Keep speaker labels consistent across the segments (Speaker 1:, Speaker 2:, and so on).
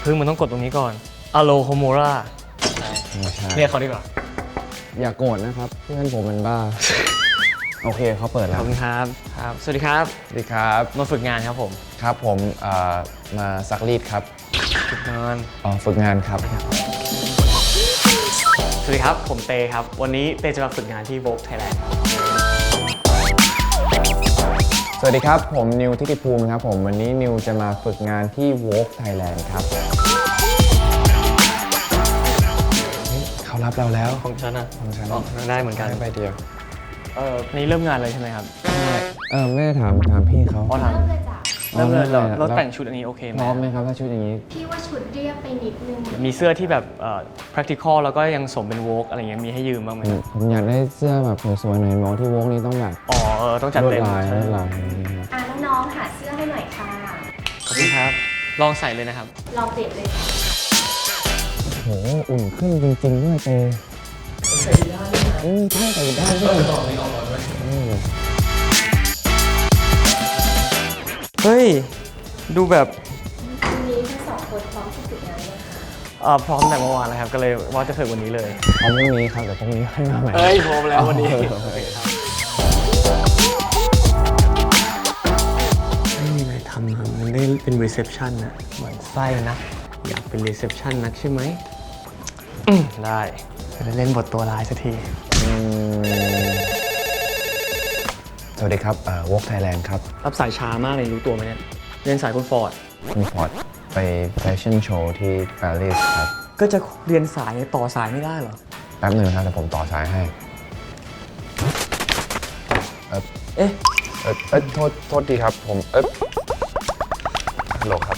Speaker 1: พึ่งมันต้องกดตรงนี้ก่อนอะโลโฮโมราเรียกเขาดีกว่า
Speaker 2: อย่าโกรธนะครับเพื่อนผมมันบ้าโอเคเขาเปิดแล้ว
Speaker 1: ขอบคุณครับสวัสดีครับ
Speaker 2: สวัสดีครับ
Speaker 1: มาฝึกงานครับผม
Speaker 2: ครับผมมาซักรีดครับ
Speaker 1: ฝึกงาน
Speaker 2: ฝึกงานครับ
Speaker 1: สวัสดีครับผมเตครับวันนี้เตจะมาฝึกงานที่ Vogue Thailand
Speaker 2: สวัสดีครับผมนิวทิติภูมิครับผมวันนี้นิวจะมาฝึกงานที่ Vogue Thailand ครับเขารับเราแล้ว
Speaker 1: ของฉันอะ
Speaker 2: ของฉัน
Speaker 1: ได้เหมือนกัน
Speaker 2: ไปเดียว
Speaker 1: นี่เริ่มงานเลยใช่ไหมครับ
Speaker 2: แม่ถามพี่เขา
Speaker 1: ถามเริ่มเลยเราแต่งชุดอันนี้โอเคไหม
Speaker 2: พร้อมไหมครับถ้าชุดอย่างนี้
Speaker 3: พี่ว่าชุดเรียบไปนิดนึง
Speaker 1: มีเสื้อที่แบบpractical แล้วก็ยังสมเป็น Vogue อะไรเงี้ยมีให้ยืมบ้างไหม
Speaker 2: ผมอยากได้เสื้อแบบสวยๆหน่อยมองที่ Vogue นี้ต้องแบบ
Speaker 1: ต้องจัดเต็ม
Speaker 2: ลวดลาย
Speaker 3: น้องๆหาเสื้อให้หน่อยค่ะ
Speaker 1: ขอบคุณครับลองใส่เลยนะครับ
Speaker 3: ลองเปลี่ยนเลย
Speaker 2: โหอุ่นขึ้นจริงๆด้วยเตใส่ได้ใช่ใส่ได้ด้วย
Speaker 1: ต่อนี้ออกก่อนด้วยเฮ้ยดูแบบ
Speaker 3: วันนี้ทั้งสองคนพร้อมที่ฝึกงานไหม
Speaker 1: คะพร้อมแต่เมื่อวานแล้วครับก็เลยว่าจะฝึกวันนี้เลย
Speaker 2: พร้อมพรุ่งนี้ครับเดี๋ยวพรุ่งนี้ให้มาใหม่
Speaker 1: พร้อมแล้ววันนี้ไม่มีอะไรทำครับมันได้เป็นรีเซพชันนะเหมือนไส้นะอยากเป็นรีเซพชันนักใช่ไหมได้จะได้เล่นบทตัวร้ายสักที
Speaker 2: สวัสดีครับVogue Thailand ครับ
Speaker 1: รับสายช้ามากเลยรู้ตัวไหมเนี่ยเรียนสายคุณฟอร์ด
Speaker 2: ไปแฟชั่นโชว์ที่ปารีสครับ
Speaker 1: ก็จะเรียนสายต่อสายไม่ได้เหรอ
Speaker 2: แป๊บหนึ่งครับเดี๋ยวผมต่อสายให้โทษทีครับผมฮัลโหลครับ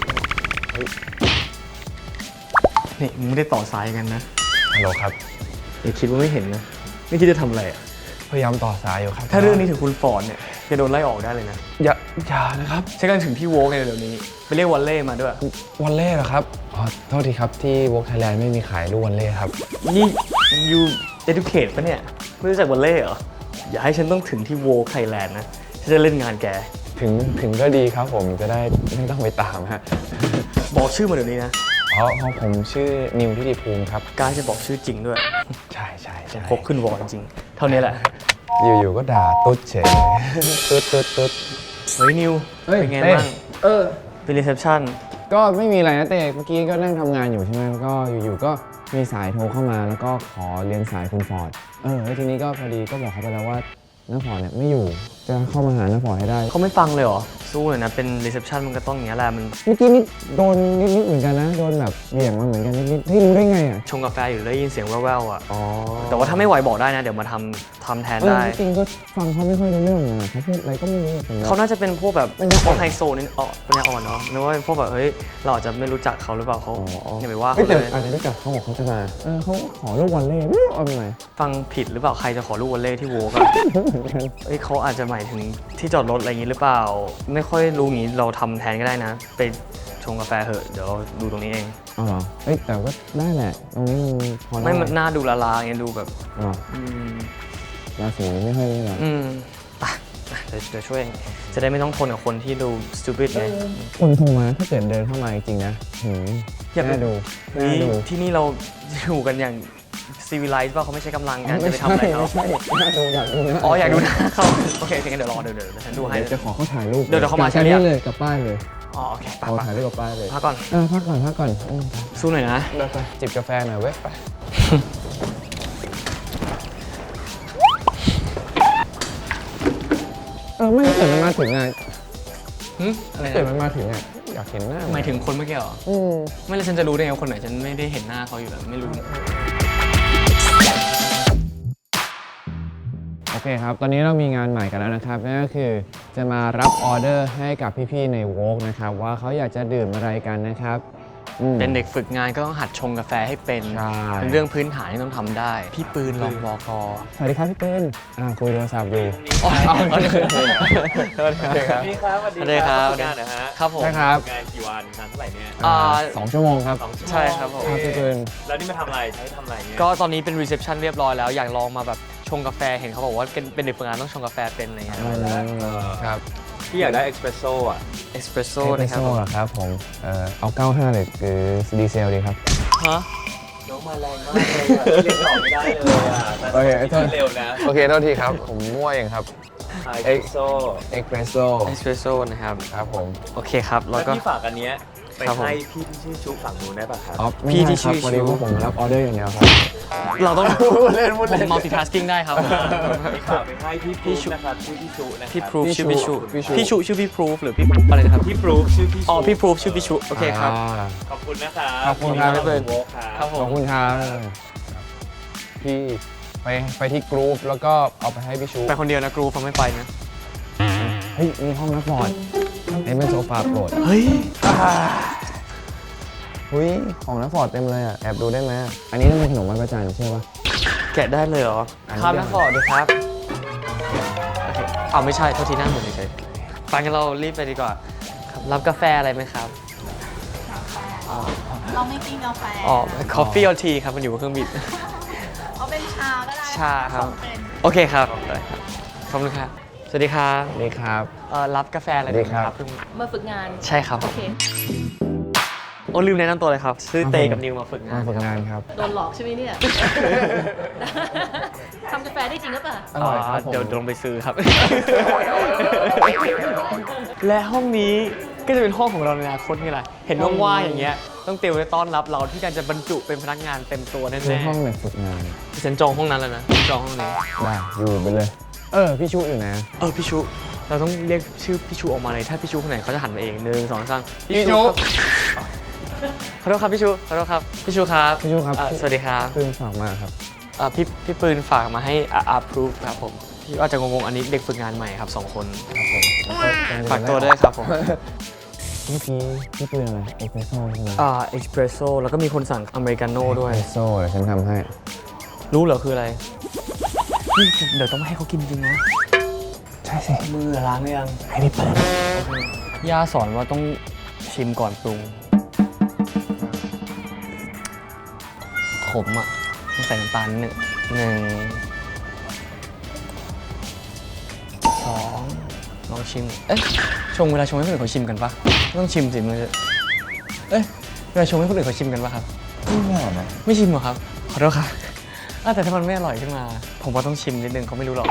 Speaker 1: นี่มึงไม่ได้ต่อสายกันนะ
Speaker 2: ฮัลโหลครับ
Speaker 1: อย่าคิดว่าไม่เห็นนะไม่คิดจะทำอะไรอ่ะ
Speaker 2: พยายามต่อสายอยู่ครับ
Speaker 1: ถ้าเรื่องนี้ถึงคุณฟอร์ดเนี่ยจะโดนไล่ออกได้เลยนะ
Speaker 2: อย่านะครับ
Speaker 1: ใช่กันถึงที่โวกในเดี๋ยวนี้ไปเรียกวอลเล่มาด้วย
Speaker 2: วอลเล่เหรอครับโทษทีครับที่Vogue Thailandไม่มีขายลูกวอลเล่ครับ
Speaker 1: นี่ยูeducate ปะเนี่ยไม่รู้จักวอลเล่เหรออย่าให้ฉันต้องถึงที่Vogue Thailandนะฉันจะเล่นงานแก
Speaker 2: ถึงก็ดีครับผมจะได้ไม่ต้องไปตามฮะ
Speaker 1: บอกชื่อมาเดี๋ยวนี้นะ
Speaker 2: เพราะผมชื่อนิวทิติภูมิครับ
Speaker 1: กล้าจะบอกชื่อจริงด้วย
Speaker 2: ใช่
Speaker 1: พกขึ้นวอลจริงเท่านี้แหละ
Speaker 2: อยู่ก็ด่าตุ๊ดเฉยตุ๊ด
Speaker 1: เฮ้ยนิวเป็นไงบ้างเป็นรีเซพชัน
Speaker 2: ก็ไม่มีอะไรนะเต้เมื่อกี้ก็นั่งทำงานอยู่ใช่ไหมก็อยู่ๆก็มีสายโทรเข้ามาแล้วก็ขอเรียนสายคุณฟอร์ดแล้วทีนี้ก็พอดีก็บอกเขาไปแล้วว่าน้าฟอร์ดเนี่ยไม่อยู่จะเข้ามาหาน้าฟอร์ดให้ได้
Speaker 1: เขาไม่ฟังเลยเหรอสู้เลยนะเป็นรีเซพชันมันก็ต้องอย่างนี้แหละมัน
Speaker 2: เมื่อกี้นี่โดนนิดเหมือนกันนะโดนแบบเหวี่ยงมาเหมือนกันนิดที่รู้ได้ไงอ่ะ
Speaker 1: ชงกาแฟอยู่ได้ยินเสียงแว่วๆอ่ะแต่ว่าถ้าไม่ไหวบอกได้นะเดี๋ยวมาทำแทนได้
Speaker 2: จริงก็ฟังเขาไม่ค่อยรู้เรื่องนะเขาพูดอะไรก็ไม่รู้
Speaker 1: เขาน่าจะเป็นพวกแบบพวกไฮโซนี่เป็นอ่อนเนาะนึกว่าเป็นพวกแบบเฮ้ยเราอาจจะไม่รู้จักเขาหรือเปล่าเขาอย่าไปว่าเขาเลย
Speaker 2: อาจจะรู้จักเขาบอกเขาจะมาเขาขอลูกวอลเล่เอาไปไหน
Speaker 1: ฟังผิดหรือเปล่าใครจะขอลูกวอลเล่ที่โวกเขาอาจจะหมายถึงที่จอดรถอะไรอย่างนี้หรือเปล่าไม่ค่อยรู้งี้เราทำแทนก็ได้นะไปชงกาแฟเถอะเดี๋ยวเราดูตรงนี้เอง
Speaker 2: อ๋อเหรอแต่ก็ได้แหละตรงนี้มันพอ
Speaker 1: ไม่มันน่าดูละลาอย่างเงี้ยดูแบบ
Speaker 2: ราศีไม่ค่อยได้หรอ
Speaker 1: เดี๋ยวช่วยจะได้ไม่ต้องทนกับคนที่ดู stupid ไง
Speaker 2: คนโทรมาถ้าเกิดเดินเข้ามาจริงๆนะ
Speaker 1: อยาก
Speaker 2: ดู
Speaker 1: ที่นี่เราอยู่กันอย่างcivilized ป่ะเขาไม่ใช้กำลังกันจะไปทำอะไรเขา
Speaker 2: อยากดูนะ
Speaker 1: อยากดูนะเขาโอเคงั้นเดี๋ยวรอเดี๋ยวฉันดูให้
Speaker 2: จะขอเขาถ่ายรูป
Speaker 1: เดี๋ยวเขามา
Speaker 2: ใช่เลยกับป้ายเลย
Speaker 1: โอเค
Speaker 2: เอาถ่ายรูปกับป้ายเลย
Speaker 1: พักก่อน
Speaker 2: พักก่อน
Speaker 1: สู้หน่อยนะ
Speaker 2: ไปจิบกาแฟหน่อยเว้ยไปไม่เกิดมันมาถึงไง
Speaker 1: อะไร
Speaker 2: เกิดมันมาถึงไงอยากเห็นหน้า
Speaker 1: หมายถึงคนเมื่อกี้เหรอไม่เลยฉันจะรู้ได้ไงคนไหนฉันไม่ได้เห็นหน้าเขาอยู่แล้วไม่รู้
Speaker 2: โอเคครับตอนนี้เรามีงานใหม่กันแล้วนะครับนั่นก็คือจะมารับออเดอร์ให้กับพี่ๆในVogueนะครับว่าเขาอยากจะดื่มอะไรกันนะครับ
Speaker 1: เป็นเด็กฝึกงานก็ต้องหัดชงกาแฟให้เป็นเรื่องพื้นฐานที่ต้องทำได้พี่ปืนรองบก.
Speaker 2: สวัสดีครับพี่ปืนคุยโทรศัพท์อยู่
Speaker 1: สวัสดีครับพี่ครับสวัสดีครับงานนะฮะครับผม
Speaker 2: ครับ
Speaker 1: งานกี่วันนานเท่าไหร่เนี่ย
Speaker 2: 2 ชั่วโมงครับ
Speaker 1: ใช่ครับผม
Speaker 2: พี่ปืน
Speaker 1: แล้วนี่มาทำอะไรใช้ทำอะไรเนี่ยก็ตอนนี้เป็นรีเซพชันเรียบร้อยแล้วอยากลองมาแบบชงกาแฟเห็นเขาบอกว่าเป็นเด็กฝึกงานต้องชงกาแฟเป็นอะไรเงี้ย
Speaker 2: ครับ
Speaker 4: พี่อยากได้เอ็กซ์เพรสโซ่อะ
Speaker 1: เอสเปรสโซ่
Speaker 2: เอสเปร
Speaker 1: นะ
Speaker 2: ส
Speaker 1: ครับ
Speaker 2: โซ่เหรอครับผมเอา95เลยหรือดีเซลดีครับ
Speaker 1: ฮะ
Speaker 4: น้องมาแรงมากเลยอะเรียกต่อไม่ได้เลยอะ
Speaker 2: โอเค
Speaker 4: แต่เร็วนะ
Speaker 2: โอเคโทษทีครับ ผมมั่วเองครับ
Speaker 4: เอ็กซ์โซ่
Speaker 2: เอ็กเพรสโซ่
Speaker 1: เอสเปรสโซ่นะครับ
Speaker 2: ครับผม
Speaker 1: โอเคครับ แล้
Speaker 4: แล้ว ว
Speaker 1: ก็
Speaker 4: พี่ฝากอันเนี้ยไป
Speaker 1: ครับผม
Speaker 4: ให้พี่ที่ชื่อชุฝั่งนู้นได้ป่ะครับ
Speaker 2: อ๋อ
Speaker 1: พี่
Speaker 2: ไม่
Speaker 1: ที่
Speaker 2: ใช่
Speaker 1: ชื่
Speaker 2: ครับ
Speaker 1: อ
Speaker 2: วันนี้
Speaker 1: ชู
Speaker 2: พวกผมรับออเดอร์อย่างเดียวครับ
Speaker 1: เราต้อง
Speaker 2: เล่นพูด
Speaker 1: ผ
Speaker 2: เล่
Speaker 1: ม
Speaker 2: น
Speaker 1: multitasking ได้ครับ
Speaker 4: พี่ฝากไปให้พี่พรูฟนะครับชื่อพี่ชุนะครับ
Speaker 1: พี่พรูฟ
Speaker 2: พี่
Speaker 1: ชื่อพี่ชู
Speaker 2: พี่ชู
Speaker 1: พี่ชูชื่อพี่พรูฟหรือพี่อะไรนะครับ
Speaker 4: พี่พรูฟชื่อพี่ชุ
Speaker 1: อ๋อพี่พรูฟชื่อพี่ชูโอเคครับ
Speaker 4: ขอบคุณนะครับ
Speaker 2: ขอบคุณครับ
Speaker 4: พี่
Speaker 1: พี่เบิร์ด
Speaker 4: โวค
Speaker 1: ครั
Speaker 4: รั
Speaker 1: บบ ผ
Speaker 2: ขอบ
Speaker 1: ม
Speaker 2: คุณครับพี่ไปที่กรุ๊ปแล้วก็เอาไปให้พี่ชู
Speaker 1: ไปคนเดียวนะกรูฟไม่ไปนะ
Speaker 2: เฮ้ยมีห้องนักบอร์ดไอ้เป็นโซฟาโปรด
Speaker 1: เฮ้ย
Speaker 2: หุ้ยของนักบอร์ดเต็มเลยอ่ะแอบดูได้ไหมอันนี้ต้องเป็นขนมไหว้พระจันทร์ใช่ปะ
Speaker 1: แกะได้เลยเหรอ
Speaker 2: อันนี้
Speaker 1: ครับนักบอร์ดด้วยครับโอเคเอาไม่ใช่โทษทีนั่งหมดเฉยๆไปกันเรารีบไปดีกว่าครับรับกาแฟอะไรไหมครับ
Speaker 5: เราไม่กินกาแฟ
Speaker 1: อ๋อ coffee or tea ครับมันอยู่บนเครื่องบิน
Speaker 5: เอาเป็นชาก็ได้
Speaker 1: ชาครับ
Speaker 5: ส่งเป็น
Speaker 1: โอเคครับได้ครับขอบคุณครับสวัสดีครับ
Speaker 2: นี่ครับ
Speaker 1: รับกาแฟอะไรไหม
Speaker 2: สวัสดีครับ
Speaker 1: เพิ่ง
Speaker 5: มาฝึกงาน
Speaker 1: ใช่ครับ
Speaker 5: โอเค
Speaker 1: โอ้ลืมแนะนำตัวเลยครับชื่อเตกับนิวมาฝึกงาม
Speaker 2: าน ฝึกงานครับ
Speaker 5: โดนหลอกใช่ไหมเนี่ย ทำกาแฟได้จริงหรือเปล่า
Speaker 2: อร่อยครับผม
Speaker 1: เดี๋ยวลงไปซื้อครับ และห้องนี้ก็จะเป็นห้องของเราในอนาคตนี่แหละเห็นว่างๆอย่างเงี้ยต้องเตรียมไว้ต้อนรับเราที่การจะบรรจุเป็นพนักงานเต็มตัวแน่
Speaker 2: คือห้องแบบฝึกงาน
Speaker 1: ๆฉันจองห้องนั้นแล้วนะฉันจองห้องนี้
Speaker 2: ได้อยู่ไปเลย พี่ชูอยู่นะ
Speaker 1: พี่ชูเราต้องเรียกชื่อพี่ชูออกมาเลยถ้าพี่ชูคนไหนเขาจะหันมาเอง1 2 3
Speaker 2: พี่ชู
Speaker 1: ขอโทษครับพี่ชูขอโทษครับพี่ชูครับ
Speaker 2: พี่ชูครับ
Speaker 1: สวัสดีครับ
Speaker 2: เพิ่งฝากมาครับ
Speaker 1: พี่ปืนฝากมาให้approve ครับผมพี่อาจจะงงๆอันนี้เด็กฝึกงานใหม่ครับ2 คนครับผมฝากตัวด้วยครับผม
Speaker 2: พี่ปืนอะไรเอสเปรสโซ่ใช่ไหม
Speaker 1: เอ็กซ์เพรสโซ่แล้วก็มีคนสั่งอเมริกาโน่ด้วย
Speaker 2: เอสเปรสโซ่เดี๋ยวฉันทำให้
Speaker 1: รู้เหรอคืออะไรนี่เดี๋ยวต้องให้เขากินจริงนะ
Speaker 2: ใช่สิ
Speaker 1: มือล้างหรือยัง
Speaker 2: ให้พี่เปิด
Speaker 1: ย่าสอนว่าต้องชิมก่อนปรุงขมอ่ะต้องใส่น้ำตาล1 2ลองชิมชงเวลาชงให้คนอื่นเขาชิมกันปะต้องชิมสิมันจะเวลาชงให้คนอื่นเขาชิมกันปะครับ
Speaker 2: ไม่หรอนะ
Speaker 1: ไม่ชิมเหรอครับขอโทษครับแต่ถ้ามันไม่อร่อยขึ้นมา ผมว่าต้องชิมนิดนึงเขาไม่รู้หรอก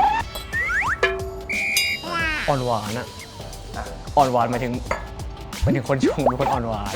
Speaker 1: อ่อนหวานอะอ่อนหวานหมายถึงคนชงเป็นคนอ่อนหวาน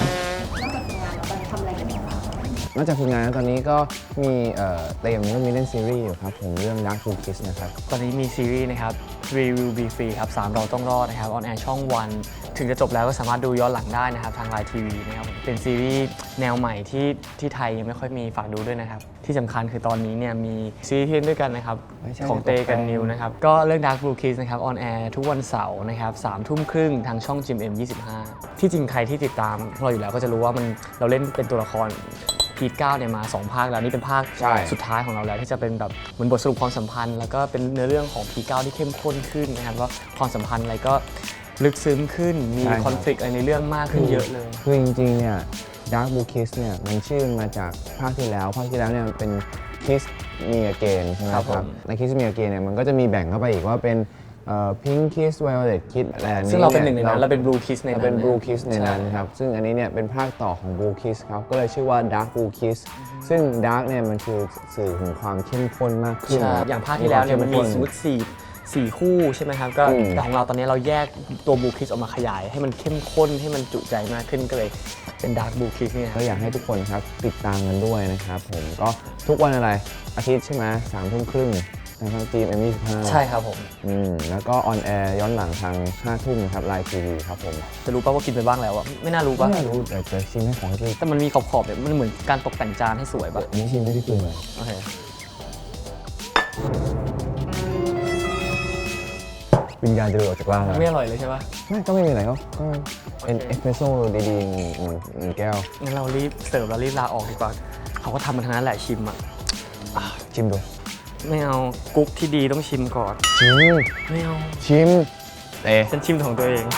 Speaker 2: นอกจากฝึกงานแล้วตอนนี้ก็มีเตรียมเรื่องมีเล่นซีรีส์อยู่ครับผมเรื่อง Dark Blue Kiss นะครับ
Speaker 1: ตอนนี้มีซีรีส์นะครับ Three Will Be Free ครับ3เราต้องรอดนะครับออนแอร์ช่องวัน ถึงจะจบแล้วก็สามารถดูย้อนหลังได้นะครับทางไลน์ทีวีนะครับเป็นซีรีส์แนวใหม่ที่ไทยยังไม่ค่อยมีฝากดูด้วยนะครับ ที่สำคัญคือตอนนี้เนี่ยมีซีรีส์ที่เล่นด้วยกันนะครับ
Speaker 2: ไม่ใช่
Speaker 1: ของเตกันนิวนะครับ ก็เรื่อง Dark Blue Kiss นะครับออนแอร์ทุกวันเสาร์นะครับ21:30ทางช่อง GMM25 ที่จริงใครที่ติดตามเราอยู่แล้วก็จะรู้ว่าเราเล่นเป็นตัวละครพีท9เนี่ยมา2 ภาคแล้วนี่เป็นภาค
Speaker 2: ใช่
Speaker 1: สุดท้ายของเราแล้วที่จะเป็นแบบเหมือนบทสรุปความสัมพันธ์ แล้วก็เป็นเนื้อเรื่องของพีท9ที่เข้มข้นขึ้นนะครับว่าความสัมพันธ์อะไรก็ลึกซึ้งขึ้นมีคอนฟ lict อะไรในเรื่องมากขึ้นเยอะเลย
Speaker 2: คือจริงๆเนี่ย Dark Blue Kiss เนี่ยมันชื่อมาจากภาคที่แล้วเนี่ยมันเป็น Kiss Me Again ใช่ไหม
Speaker 1: ครับ
Speaker 2: ค
Speaker 1: ผ
Speaker 2: รับ
Speaker 1: ม
Speaker 2: ใน Kiss Me Again เนี่ยมันก็จะมีแบ่งเข้าไปอีกว่าเป็นPink Kiss Violet Kiss อะไรอันนี้
Speaker 1: ซึ่งเราเป็นหนึ่งในนั้นเราเป็น Blue Kiss ในนั้น
Speaker 2: เราเป็น Blue Kiss ในนั้น
Speaker 1: ใช่
Speaker 2: ครับ ซึ่งอันนี้เนี่ยเป็นภาคต่อของ Blue Kiss ครับ ก็เลยชื่อว่า Dark Blue Kiss ซึ่ง Dark เนี่ยมันคือสื่อถึงความเข้มข้นมากขึ้น
Speaker 1: ใช่อย่างภาคที่แล้วเนี่ยมันมีสมมติ4คู่ใช่ไหมครับก็แต่ของเราตอนนี้เราแยกตัว Blue Kiss ออกมาขยาย ให้มันเข้มข้นให้มันจุใจมากขึ้นก็เลยเป็น Dark Blue Kiss เนี่ย
Speaker 2: ก็อยากให้ทุกคนครับติดตามกันด้วยนะครับผมก็ทุกวันอะไรอาทิตย์ใช่ไหม3:30ทางจีม M25
Speaker 1: ใช่ครับผม
Speaker 2: แล้วก็ออนแอร์ย้อนหลังทาง5 ทุ่มนะครับไลน์ทีวีครับผม
Speaker 1: จะรู้ป่ะว่ากินไปบ้างแล้วอะไม่น่ารู้ป่ะ
Speaker 2: ไม่รู้แต่จะชิมให้ของพี่
Speaker 1: แต่มันมีขอบๆเนี่ยมันเหมือนการตกแต่งจานให้สวยป่ะ
Speaker 2: อันนี้ชิมได้ที่ปืนเลย
Speaker 1: โอเค
Speaker 2: วิญญาณจะหลุดออกจากร่างแล้ว
Speaker 1: ไม่อร่อยเลยใช่ป่ะ
Speaker 2: ไม่ก็ไม่มีอะไรก็เป็นเอสเปรสโซ่ดีๆหนึ่งแก้ว
Speaker 1: งั้นเรารีบเสิร์ฟแล้วรีบลาออกดีกว่าเขาก็ทำมาทั้งนั้นแหละชิมอะ
Speaker 2: ชิมดู
Speaker 1: ไม่เอากุ๊กที่ดีต้องชิมก่อน
Speaker 2: ชิม
Speaker 1: ไม่เอา
Speaker 2: ชิมเตะ
Speaker 1: ฉันชิมของตัวเอง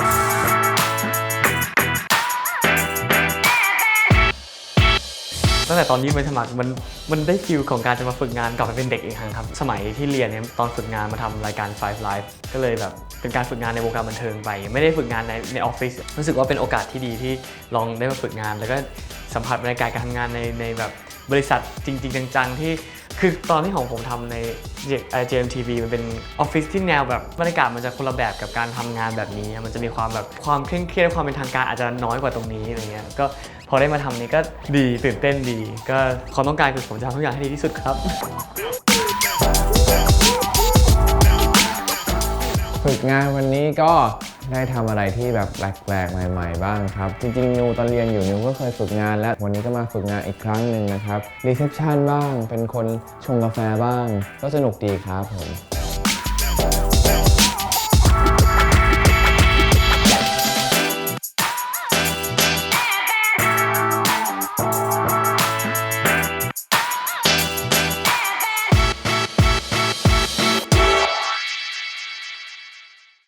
Speaker 1: ตั้งงแต่ตอนยื่นใบสมัครมันได้ฟิลของการจะมาฝึกงานกลับไปเป็นเด็กอีกครั้งครับสมัยที่เรียนเนี่ยตอนฝึกงานมาทำรายการ Five Live ก็เลยแบบเป็นการฝึกงานในวงการบันเทิงไปไม่ได้ฝึกงานในออฟฟิศรู้สึกว่าเป็นโอกาสที่ดีที่ลองได้มาฝึกงานแล้วก็สัมผัสบรรยากาศการทำงานในแบบบริษัทจริงๆจังๆที่คือตอนที่ของผมทำใน JMTV มันเป็นออฟฟิศที่แนวแบบบรรยากาศมันจะคนละแบบกับการทำงานแบบนี้มันจะมีความแบบความเคร่งเครียดความเป็นทางการอาจจะน้อยกว่าตรงนี้อะไรเงี้ยก็พอได้มาทำนี้ก็ดีตื่นเต้นดีก็ความต้องการคือผมจะทำทุกอย่างให้ดีที่สุดครับ
Speaker 2: ฝึกงานวันนี้ก็ได้ทำอะไรที่แบบแปลกๆใหม่ๆบ้างครับจริงๆนิวตอนเรียนอยู่นิวก็เคยฝึกงานแล้ววันนี้ก็มาฝึกงานอีกครั้งหนึ่งนะครับรีเซพชันบ้างเป็นคนชงกาแฟบ้างก็สนุกดีครับผม